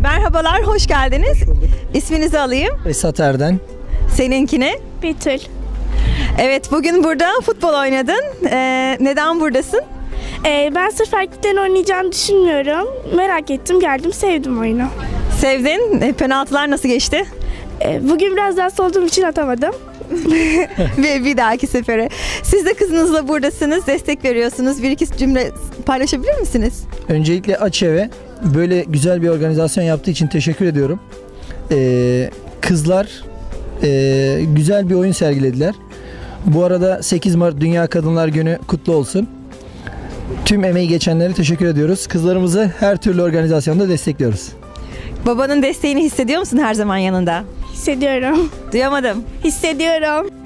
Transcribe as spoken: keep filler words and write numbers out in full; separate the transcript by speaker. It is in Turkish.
Speaker 1: Merhabalar, hoş geldiniz.
Speaker 2: Hoş bulduk.
Speaker 1: İsminizi alayım.
Speaker 2: Esat Erden.
Speaker 1: Seninkine?
Speaker 3: Betül.
Speaker 1: Evet, bugün burada futbol oynadın. Ee, neden buradasın?
Speaker 3: Ee, ben sırf erkeklerin oynayacağını düşünmüyorum. Merak ettim, geldim, sevdim oyunu.
Speaker 1: Sevdin. E, penaltılar nasıl geçti?
Speaker 3: Ee, bugün biraz hasta olduğum için atamadım.
Speaker 1: Ve bir dahaki sefere. Siz de kızınızla buradasınız, destek veriyorsunuz. Bir iki cümle paylaşabilir misiniz?
Speaker 2: Öncelikle Açev'e böyle güzel bir organizasyon yaptığı için teşekkür ediyorum. Ee, kızlar e, güzel bir oyun sergilediler. Bu arada sekiz Mart Dünya Kadınlar Günü kutlu olsun. Tüm emeği geçenlere teşekkür ediyoruz. Kızlarımızı her türlü organizasyonda destekliyoruz.
Speaker 1: Babanın desteğini hissediyor musun her zaman yanında?
Speaker 3: Hissediyorum.
Speaker 1: Duyamadım.
Speaker 3: Hissediyorum.